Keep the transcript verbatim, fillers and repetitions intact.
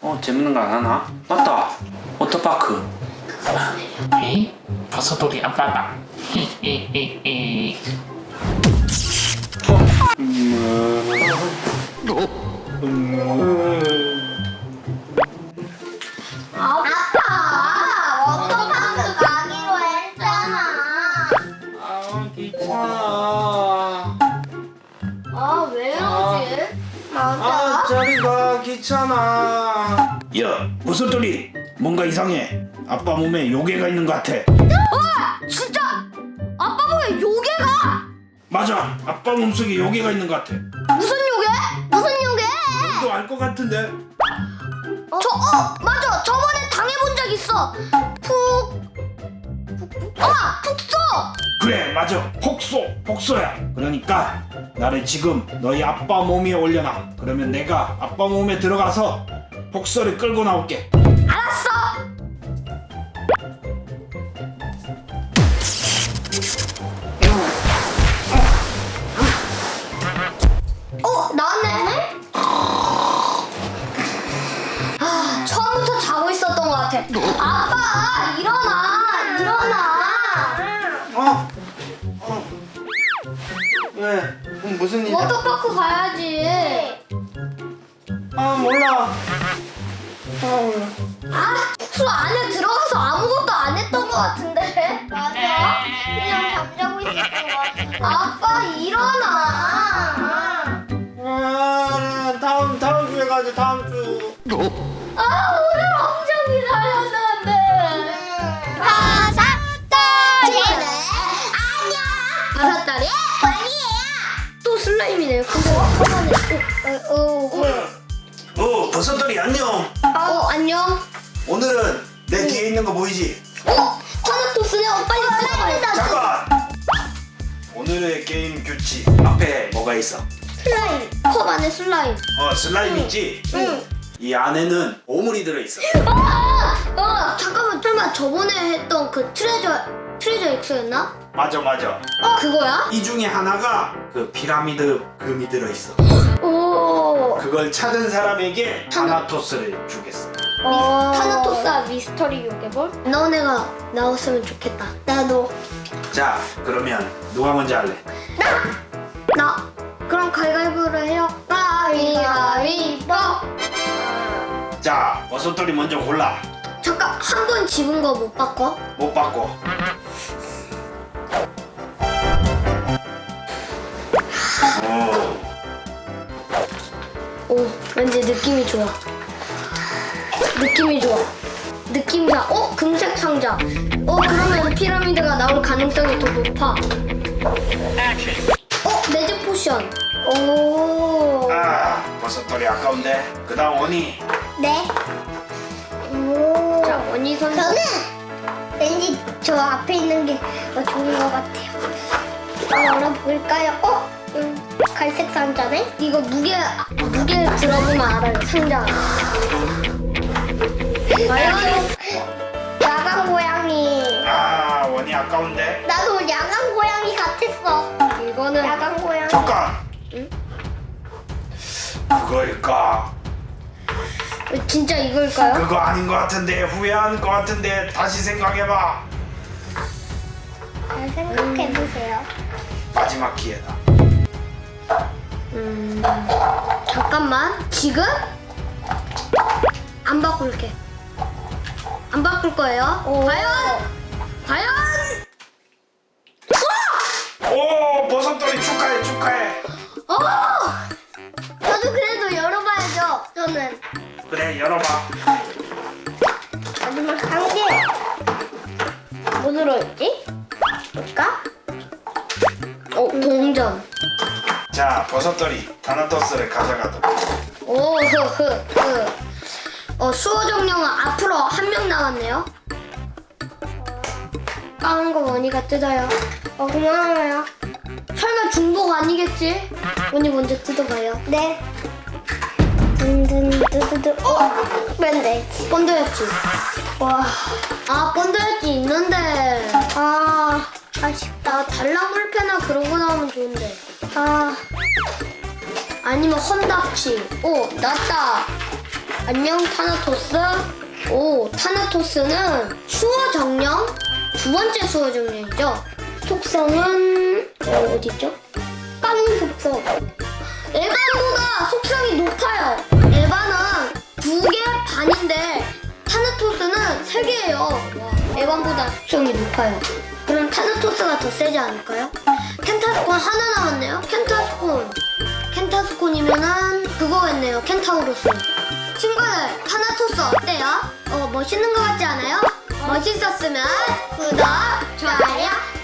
어 재밌는 거 안 하나? 맞다. 워터파크. 에이? 버섯돌이 아빠다. 히히히히. 아빠 워터파크 가기로 했잖아. 아 귀찮아. 아 왜 이러지? 아 맞아. 저리가 귀찮아. 야, 버섯돌이 뭔가 이상해. 아빠 몸에 요괴가 있는 것 같아. 진짜 아빠 보기엔 요괴가? 맞아, 아빠 몸속에 요괴가 있는 것 같아. 무슨 요괴? 무슨 요괴? 너 알 것 같은데? 저 어 맞아 저번에 당해본 적 있어. 푹 아 푹소. 그래, 맞아. 폭소, 폭소야. 그러니까 나를 지금 너희 아빠 몸 위에 올려놔. 그러면 내가 아빠 몸에 들어가서 폭소를 끌고 나올게. 알았어. 어 나왔네. 아 처음부터 자고 있었던 것 같아. 아빠 일어나 일어나. 어? 어? 왜? 음, 무슨 일이야? 워터파크 가야지. 아 몰라. 아, 숙소 안에 들어가서 아무것도 안 했던 것 같은데? 맞아. 그냥 잠자고 있었던 것 같은데. 아빠, 일어나. 아 다음 다음 주에 가자. 다음 주. 아, 오늘 엄청 기다렸는데. 바삭다리. 안녕. 바삭다리? 아니에요. 또 슬라임이네요. 근데 한번에 어, 어, 어, 어, 버섯돌이 안녕. 어, 어, 안녕. 오늘은 내 뒤에 있는 거 보이지? 어, 타나토스네. 어, 빨리 들어가요. 잠깐. 오늘의 게임 규칙 앞에 뭐가 있어? 슬라임. 컵 안에 슬라임. 어, 슬라임 있지? 응. 이 안에는 보물이 들어있어. 아! 아! 잠깐만 설마 저번에 했던 그 트레저 트레저 엑소였나? 맞아, 맞아. 어 그거야? 이 중에 하나가 그 피라미드 금이 들어있어. 오. 그걸 찾은 사람에게 타나토스를 주겠어. 어... 타나토스와 미스터리 요괴볼? 너네가 나왔으면 좋겠다. 나도. 자, 그러면 누가 먼저 할래? 나. 그럼 가위바위보를 해요. 가위바위보. 자, 버섯돌이 먼저 골라. 잠깐 한 번 집은 거 못 바꿔? 못 바꿔. 오, 오 왠지 느낌이 좋아. 느낌이 좋아. 느낌이 좋아. 어 금색 상자. 어 그러면 피라미드가 나올 가능성이 더 높아. 어 매직 포션. 오. 아, 버섯돌이 아까운데. 그 다음 원이. 네. 오. 자 원희 선수. 저는 왠지 저 앞에 있는 게 더 좋은 것 같아요. 열어볼까요? 어? 음, 갈색 상자네? 이거 무게 무게 들어보면 알아요. 상자. 과연 야간 고양이. 아, 원이 아까운데. 나도 야간 고양이 같았어. 이거는 야간 고양이. 잠깐. 응? 그거일까? 진짜 이걸까요? 그거 아닌 것 같은데. 후회하는 것 같은데. 다시 생각해봐. 잘 생각해 보세요. 마지막 기회다. 음, 잠깐만. 지금 안 바꿀게. 안 바꿀 거예요. 과연? 과연? 오, 버섯돌이 축하해, 축하해. 어! 저도 그래도 열어봐야죠. 저는 그래, 열어봐. 마지막 한 개. 뭐 들어있지? 볼까? 어, 동전. 자, 버섯돌이 타나토스를 가져가도록. 오, 흐, 흐, 흐. 어, 수호 정령은 앞으로 한 명 나왔네요. 까만 거 원이가 뜯어요. 어, 고마워요. 설마 중복 아니겠지? 원이 먼저 뜯어봐요. 네. 든든 뚜두두. 어? 밴드. 본드였지. 와. 아, 본드였지 있는데. 아, 아쉽다. 달랑물패나 그런 거 나오면 좋은데. 아. 아니면 헌납치. 오, 났다. 안녕 타나토스. 오, 타나토스는 수호 정령 두 번째 수호 정령이죠. 속성은 어, 어디죠? 깡 속성. 에반보다 속성이 높아요. 에반은 두 개 반인데 타나토스는 세 개예요. 와, 에반보다 속성이 높아요. 그럼 타나토스가 더 세지 않을까요? 켄타스콘 하나 남았네요. 켄타스콘. 켄타스콘이면은 그거겠네요. 켄타우로스. 친구들, 타나토스 어때요? 어, 멋있는 것 같지 않아요? 멋있었으면 구독, 좋아요